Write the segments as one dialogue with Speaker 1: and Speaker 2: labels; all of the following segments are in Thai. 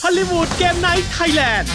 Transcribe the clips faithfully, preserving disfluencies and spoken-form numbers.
Speaker 1: อลลีวูดเกมไนท์ไทยแลนด์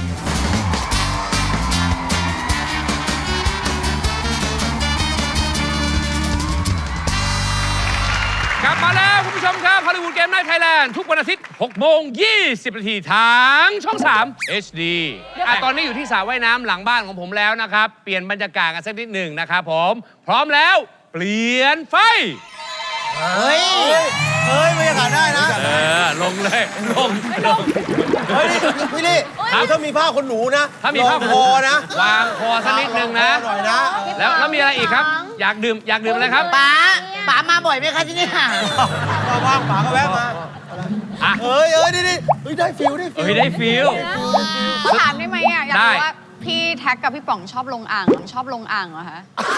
Speaker 2: กลับมาแล้วคุณผู้ชมครับฮอลลีวูดเกมไนท์ไทยแลนด์ทุกวันอาทิตย์หกโมงยี่สิบนาทีทางช่องสาม เอช ดี อ่ะตอนนี้อยู่ที่สระว่ายน้ำหลังบ้านของผมแล้วนะครับเปลี่ยนบรรยากาศกันสักนิดหนึ่งนะครับผมพร้อมแล้วเปลี่ยนไฟ
Speaker 3: เฮ้ยเฮ้ยบรรยากาศได้นะ
Speaker 2: เออลงเลยลงลง
Speaker 3: เฮ้ยพี่ลี่ถ้ามีผ้าขนหนูนะ
Speaker 2: ถ้ามีผ้า
Speaker 3: คอนะ
Speaker 2: วางคอสักนิดนึงนะ
Speaker 3: หน่อยนะ
Speaker 2: แล้วแล้วมีอะไรอีกครับอยากดื่มอยากดื่มอะไรครับ
Speaker 4: ป๋าป๋ามาบ่อยไหมคะที่นี่
Speaker 3: ว่างๆป๋าก็แวะมาเฮ้ยเฮ้ยนี่นี่เฮ้ยได้ฟิลได้ฟิล
Speaker 2: เฮ้ยได้ฟิล
Speaker 5: เขาถามได้ไหมอ่ะอยากรู้ว่าพี่แท็กกับพี่ป๋องชอบลงอ่างชอบลงอ่างเหรอคะ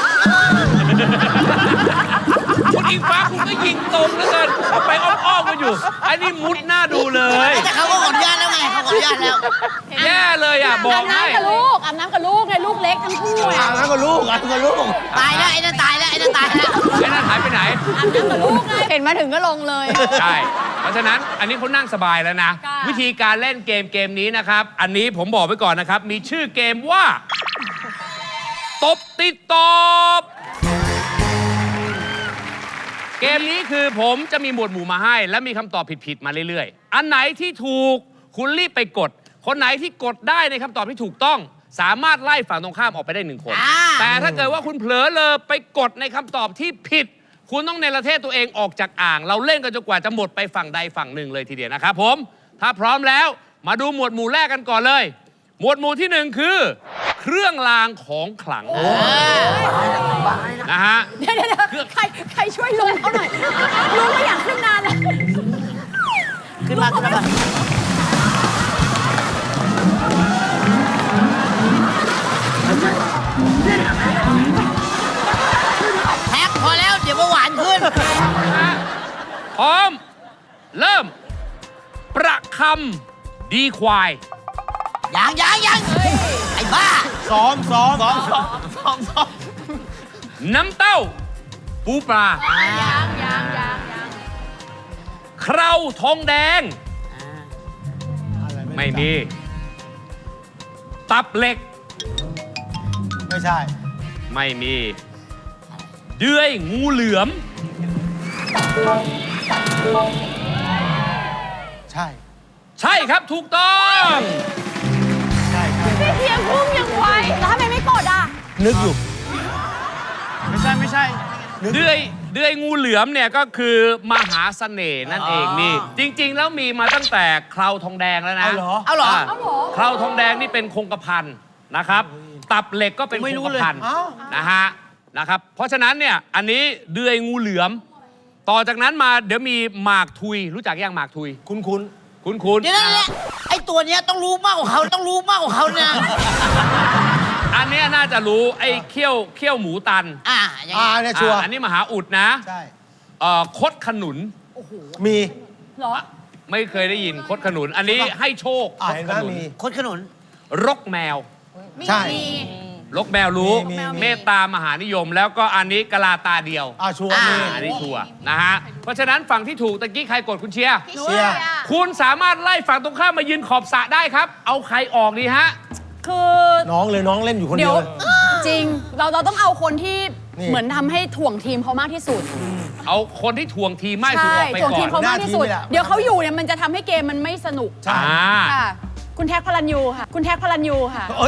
Speaker 2: คุณอิงฟ้าคุณก็ยิงตรงแล้วกันไปอ้อมๆกันอยู่ไอ้นี่มุดหน้าดูเลย
Speaker 4: แต่เขาก็ขออนุญาตแล้วไงเขาขออนุญาตแล้ว
Speaker 2: แย่เลยอ่ะบอกให้
Speaker 5: อาบน้ำกับลูกอาบน้ำกับลูกไงลูกเล็กทั้งคู่
Speaker 3: อาบน้ำกับลูกอาบน้ำกับลูก
Speaker 4: ตายแล้วไอ้นั่นตายแล้วไอ้นั่นตายแล้ว
Speaker 2: ไอ้นั่นหายไปไหน
Speaker 5: อาบน้ำกับลูกไงเห็นมาถึงก็ลงเลย
Speaker 2: ใช่เพราะฉะนั้นอันนี้เขานั่งสบายแล้วนะวิธีการเล่นเกมเกมนี้นะครับอันนี้ผมบอกไว้ก่อนนะครับมีชื่อเกมว่าตบติดตอบเกมนี้คือผมจะมีหมวดหมู่มาให้และมีคำตอบผิดๆมาเรื่อยๆอันไหนที่ถูกคุณรีบไปกดคนไหนที่กดได้ในคำตอบที่ถูกต้องสามารถไล่ฝั่งตรงข้ามออกไปได้หนึ่งคนแต่ถ้าเกิดว่าคุณเผลอเลยไปกดในคำตอบที่ผิดคุณต้องเนรเทศตัวเองออกจากอ่างเราเล่นกันจนกว่าจะหมดไปฝั่งใดฝั่งหนึ่งเลยทีเดียวนะครับผมถ้าพร้อมแล้วมาดูหมวดหมู่แรกกันก่อนเลยหมวดหมู่ที่หนึ่งคือเครื่องรางของขลังนะฮะ
Speaker 5: เดี๋ยวเดี๋ยวใครใครช่วยลุงเขาหน่อยลุงไม่อยากขึ้นนานเลย
Speaker 4: ขึ้นมาขึ้นมาแท็กพอแล้วเดี๋ยวเบาหวานขึ้น
Speaker 2: พร้อมเริ่มประคำดีควาย
Speaker 4: ยังยังยังไอ้บ้า
Speaker 3: ซ้อมซ้อมซ้อมซ้อมซ้อมซ้อม
Speaker 2: น้ำเต้าปูปลา
Speaker 5: ยังยังยังยัง
Speaker 2: เคราทองแดงไม่มีตับเหล็ก
Speaker 3: ไม่ใช่
Speaker 2: ไม่มีเดือยงูเหลือม
Speaker 3: ใช่
Speaker 2: ใช่ครับถูกต้อง
Speaker 5: พี่เพียงพุ่งยังไวแล้วทำไมไม่กดอ่ะ
Speaker 3: นึกอยู่ไม่ใช่ไม่ใช่
Speaker 2: เดือยเดือยงูเหลือมเนี่ยก็คือมหาเสน่ห์นั่นเองนี่จริงๆแล้วมีมาตั้งแต่เคราทองแดงแล้วนะ
Speaker 3: เอาเหรอ
Speaker 4: เอาเหรอ
Speaker 2: เคราทองแดงนี่เป็นคงกระพันนะครับตับเหล็กก็เป็นคงกระพันนะฮะนะครับเพราะฉะนั้นเนี่ยอันนี้เดือยงูเหลือมต่อจากนั้นมาเดี๋ยวมีหมากทุยรู้จักยังหมากทุย
Speaker 3: คุ้นคุ้น
Speaker 2: คุ้นคุ้น
Speaker 4: เดี๋ยวนั่นแหละไอ้ตัวเนี้ยต้องรู้มากกว่าเขาต้องรู้มากกว่าเขาเนี่ย
Speaker 2: อันนี้น่าจะรู้ไอ้เขี้ยวเขี้ยวหมูตัน
Speaker 4: อ่า
Speaker 3: อ่าเนี่ยชัวร์
Speaker 2: อันนี้มหาอุดนะ
Speaker 3: ใช่
Speaker 2: เอ่อคดขนุน
Speaker 3: มี
Speaker 5: เหรอ
Speaker 2: ไม่เคยได้ยินคดขนุนอันนี้ให้โชค
Speaker 3: คดขนุน
Speaker 4: คดขนุน
Speaker 2: รกแมว
Speaker 3: ใช่
Speaker 2: รกแมวรู้เมตตามหานิยมแล้วก็อันนี้กะลาตาเดียว
Speaker 3: อ่าชัวร์
Speaker 2: อันนี้ชัวร์นะฮะเพราะฉะนั้นฝั่งที่ถูกตะกี้ใครกดคุณเชียร์
Speaker 3: เชียร์
Speaker 2: คุณสามารถไล่ฝั่งตรงข้ามมายืนขอบสระได้ครับเอาใครออกดีฮะ
Speaker 5: คือ
Speaker 3: น้องเลยน้องเล่นอยู่คนเดียว
Speaker 5: จริงเราเราต้องเอาคนที่เหมือนทำให้ถ่วงทีมเขามากที่สุด
Speaker 2: เอาคนที่ถ่วงทีมมากที่สุดออกไปก่อน
Speaker 5: ถ่วงทีมเขามากที่สุดเดี๋ยวเขาอยู่เนี่ยมันจะทำให้เกมมันไม่สนุก
Speaker 2: ใช่
Speaker 5: ค่ะคุณแท็กพลันยูค่ะคุณแท็กพลันยูค่ะ
Speaker 3: เอ้ย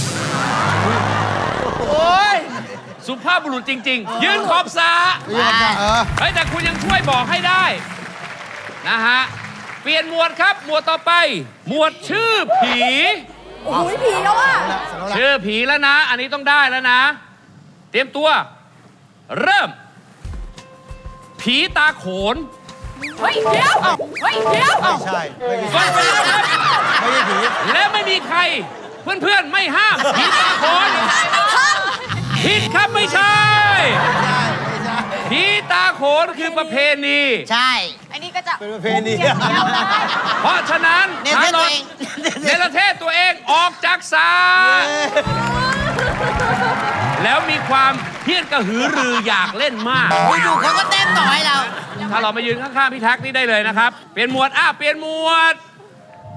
Speaker 2: โอ้ยสุภาพบุรุษจริงๆยืนขอบสระเฮ้ยแต่คุณยังช่วยบอกให้ได้นะฮะเปลี่ยนหมวดครับหมวดต่อไปหมวดชื่อผี
Speaker 5: โอ้โหผีแล้วอ่ะ
Speaker 2: ชื่อผีแล้วนะอันนี้ต้องได้แล้วนะเตรียมตัวเริ่มผีตาโขน
Speaker 5: เฮ้ยเดี๋ยวเฮ้ยเดี๋ยว
Speaker 3: ไม่ใช่ไม่ใช่ไม่ใช่ผี
Speaker 2: และไม่มีใครเพื่อนๆไม่ห้ามผีตาโขนผิดครับไม่ใช่ผีตาโขนคือประเพณี
Speaker 4: ใช่
Speaker 5: อันนี้ก็จะ
Speaker 3: เป็นประเพณี
Speaker 2: เพราะฉะนั้น
Speaker 4: เนรเทศตัวเอง
Speaker 2: เนรเทศตัวเองออกจากศาลแล้วมีความเพี้ยนกระหือรืออยากเล่นมาก
Speaker 4: อยู่ๆเขาก็เต้นต่อให้เรา
Speaker 2: ถ้าเรามายืนข้างๆพี่แท็กนี่ได้เลยนะครับเปลี่ยนหมวดอ้าเปลี่ยนหมวด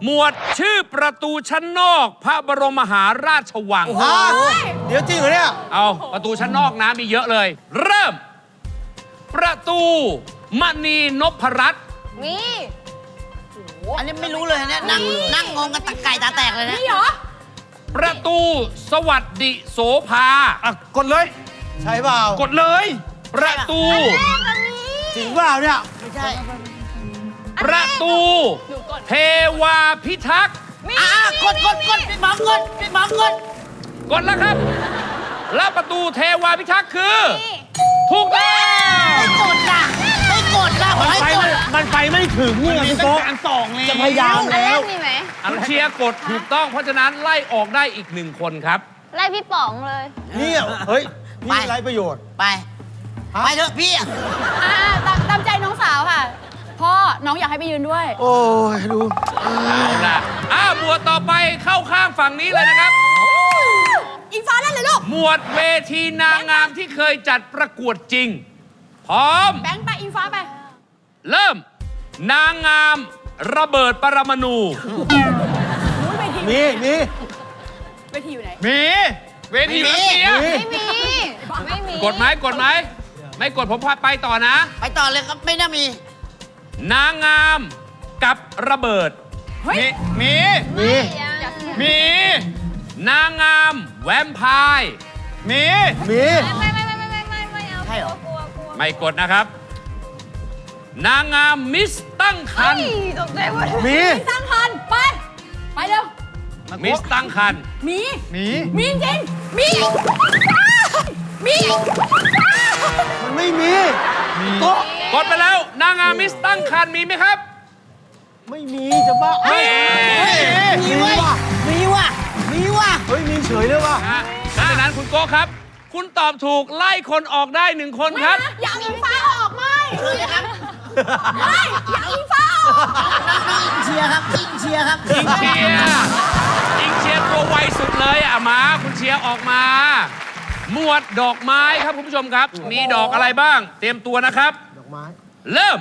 Speaker 2: หมวดชื่อประตูชั้นนอกพระบรมมหาราชวัง
Speaker 3: ฮะเดี๋ยวจริงเหรอเนี่ย
Speaker 2: เอาประตูชั้นนอกนะมีเยอะเลย เริ่ม ประตูมณีนพรัตน์
Speaker 5: มี
Speaker 4: อันนี้ไม่รู้เลยเนี่ยนั่งนั่งงงกันตะไก่ตาแตกเลยนะ
Speaker 5: นี่เหรอ
Speaker 2: ประตูสวัสดิโสภา
Speaker 1: อ่ะ กดเลย
Speaker 3: ใช่เปล่าก
Speaker 1: ดเลย
Speaker 2: ประตู
Speaker 3: จริงเปล่าเนี่ย
Speaker 4: ไม่ใช่
Speaker 2: ประตูเทวาพิทักษ์
Speaker 4: อ่ากดกดกดพี่หมอกดพี่หมอกด
Speaker 2: กดแล้วครับ แล้วประตูเทวาพิทักษ์คือ ถูกต้อง
Speaker 4: ไม่กดนะไม่กดนะบอกให้
Speaker 3: ไป
Speaker 4: กด
Speaker 3: มันไปไม่ถึงเนี่ยพี่โต๊ะการสองแล้วจะพยายามแล้ว
Speaker 5: มีไหม
Speaker 2: อันเชียร์กดถูกต้อง เพราะฉะนั้นไล่ออกได้อีกหนึ่งคนครับ
Speaker 5: ไล่พี่ป๋องเลย
Speaker 3: เนี่ยเฮ้ยนี่ไรประโยชน์
Speaker 4: ไปไปเถอะพี่อะ
Speaker 5: อ่าตามตามใจน้องสาวค่ะ พ่อ น้องอยากให้ไปยืนด้วย
Speaker 3: โอ้ยดู
Speaker 2: เอาล่ะอ้าวหมวดต่อไปเข้าข้างฝั่งนี้เลยนะครับ
Speaker 5: อิงฟ้าเล่นเลยลูก
Speaker 2: หมวดเวทีนางงามที่เคยจัดประกวดจริง พร้อม
Speaker 5: แบงค์ไป อิงฟ้าไป
Speaker 2: เริ่ม นางงามระเบิดปรมาณู
Speaker 3: มีมี
Speaker 5: เวทีอยู่ไหน
Speaker 1: มี
Speaker 2: เวทีรัสเซีย
Speaker 3: มี
Speaker 5: ไม่มี ไม่มี
Speaker 2: กดไหมกดไหม ไม่กดผมพาไปต่อนะ
Speaker 4: ไปต่อเลยครับไม่น่ามี
Speaker 2: นางงามกับระเบิด
Speaker 5: เฮ้ย
Speaker 1: มี มี
Speaker 5: อยาก
Speaker 1: มี
Speaker 2: นางงามแวมไพร์
Speaker 1: มี
Speaker 3: มี
Speaker 5: ไม่ไม่ไม่ไม่ไม่ไม่ไม่เอา
Speaker 4: ใช่เหรอ
Speaker 5: กลัวกลัว
Speaker 2: ไม่กดนะครับ นางงามมิสตั้งคัน
Speaker 5: เฮ้ยตกใจหมด
Speaker 3: มี
Speaker 5: สร้างพันไป ไปเร็ว
Speaker 2: มิสตั้งคัน
Speaker 5: มี
Speaker 1: มี
Speaker 5: มีจริง มี มี
Speaker 3: มันไม่มีโต๊ะ
Speaker 2: กดไปแล้ว นางงามมิสตั้งคันมีไหมครับ
Speaker 3: ไม่มีจะบ้า
Speaker 2: เฮ้ย
Speaker 4: มีเว้ยมีว่ะมีว่ะ
Speaker 3: เฮ้ยมีเฉยเลยว่ะ
Speaker 2: ฮะเพราะฉะนั้นคุณโก้ครับ คุณตอบถูกไล่คนออกได้หนึ่งคนครับ
Speaker 5: อยากอิงฟ้าออกไหม
Speaker 4: เชิญเลยครับ
Speaker 5: ไม่อยากอิงฟ้าออก
Speaker 4: น้องๆอิงเชียร์ครับอิงเชียร์ครับ
Speaker 2: อิงเชียร์อิงเชียร์ตัวไวสุดเลยอ่ะมา คุณเชียร์ออกมา หมวดดอกไม้ครับคุณผู้ชมครับ มีดอกอะไรบ้าง เตรียมตัวนะครับ
Speaker 3: ดอกไม้
Speaker 2: เริ่ม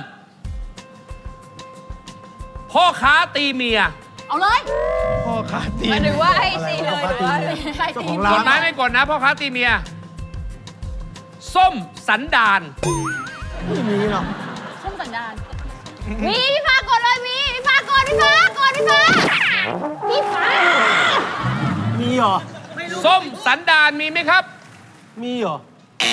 Speaker 2: พ่อค้าตีเมีย
Speaker 5: เอาเลย
Speaker 1: พ่อขาตี
Speaker 5: หรือว่าให้ตีเลยหรือว่าใครตี
Speaker 3: ของ
Speaker 2: ก
Speaker 3: ร้า
Speaker 2: ด
Speaker 3: น
Speaker 2: ไหมไม่กดนะพ่อค้าตีเมีย ส้มสันดาน
Speaker 3: ไม่มีหรอก
Speaker 5: ส้มสันดาน มีพี่ฟ้ากดเลยมีพี่ฟ้ากดพี่ฟ้ากดพี่ฟ้าพี่ฟ้า
Speaker 3: มีเหรอ
Speaker 2: ส้มสันดานมีไหมครับ
Speaker 3: มีเหรอ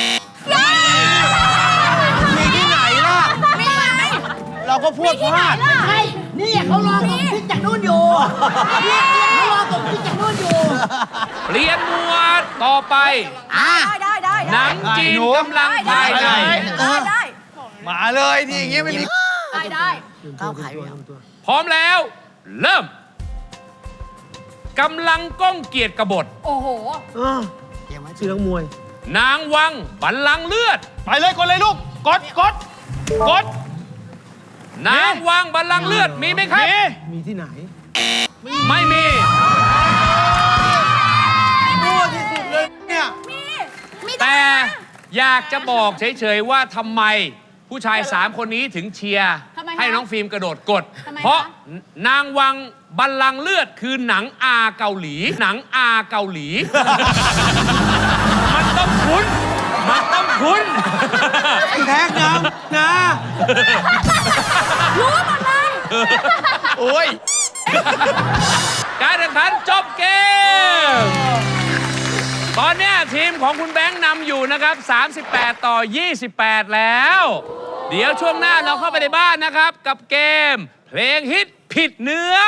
Speaker 3: มีที่ไหนล่ะ
Speaker 5: มีไหม
Speaker 3: เราก็พูดพลาด
Speaker 4: ใช่นี่เขารอผมพี่จากนู่นอยู่นี่เขารอผมพี่จากนู่นอยู่
Speaker 2: เปลี่ยนหมวดต่อไป
Speaker 4: อ่ะ
Speaker 5: ได้ได้ได้
Speaker 2: หนังจีนกำลังภายใน
Speaker 5: ได้ได้
Speaker 1: มาเลยที่อย่างเงี้ยไม่มี
Speaker 5: ได้ได้
Speaker 4: ก้าวไขไปแล้ว
Speaker 2: พร้อมแล้ว เริ่มกำลังก้องเกียรติกบฏ
Speaker 5: โอ้โห
Speaker 3: เออชื่อนักมวย
Speaker 2: นางวังบัลลังก์เลือด
Speaker 1: ไปเลยกดเลยลูก กด กด กด
Speaker 2: นางวังบัลลังก์เลือดมีไหมครับ
Speaker 1: มี
Speaker 3: มีที่ไหน
Speaker 2: ไม่มี
Speaker 3: มั่วที่สุดเลยเนี่ย
Speaker 2: แต่อยากจะบอกเฉยๆว่าทำไมผู้ชายสามคนนี้ถึงเชียร์
Speaker 5: ทำไมคะ
Speaker 2: ให้น้องฟิล์มกระโดดกด
Speaker 5: ทำไมคะ
Speaker 2: เพราะนางวังบัลลังก์เลือดคือหนังอาเกาหลี หนังอาเกาหลี มันต้องคุ้น มันต้องคุ้น
Speaker 3: แท็กนะนะ
Speaker 5: รู้หมดเลย
Speaker 1: โอ้ย
Speaker 2: การแข่งขันจบเกม ตอนเนี้ยทีมของคุณแบงค์นำอยู่นะครับ สามสิบแปด ต่อ ยี่สิบแปด แล้ว เดี๋ยวช่วงหน้าเราเข้าไปในบ้านนะครับ กับเกม เพลงฮิตผิดเนื้อ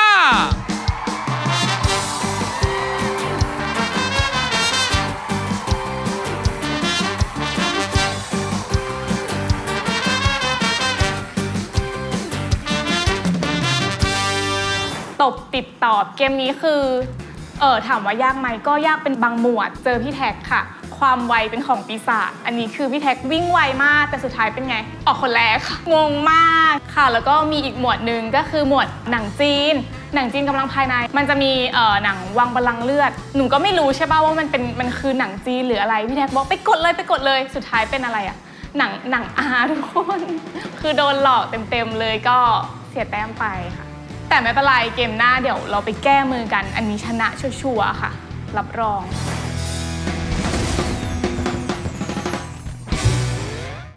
Speaker 6: ตบติดตอบเกมนี้คือเออถามว่ายากไหมก็ยากเป็นบางหมวดเจอพี่แท็กค่ะ ความไวเป็นของปีศาจอันนี้คือพี่แท็กวิ่งไวมากแต่สุดท้ายเป็นไง ออกคนแรกค่ะงงมากค่ะ แล้วก็มีอีกหมวดหนึ่งก็คือหมวดหนังจีน หนังจีนกำลังภายใน มันจะมีเอ่อหนังวังบัลลังก์เลือดหนูก็ไม่รู้ใช่ป่ะว่ามันเป็นมันคือหนังจีนหรืออะไรพี่แท็กบอกไปกดเลยไปกดเลยสุดท้ายเป็นอะไรอะหนังหนังอาทุกคน คือโดนหลอกเต็มๆเลยก็เสียแต้มไปค่ะแต่ไม่เป็นไรเกมหน้าเดี๋ยวเราไปแก้มือกัน อันนี้ชนะชัวร์ๆค่ะ รับรอง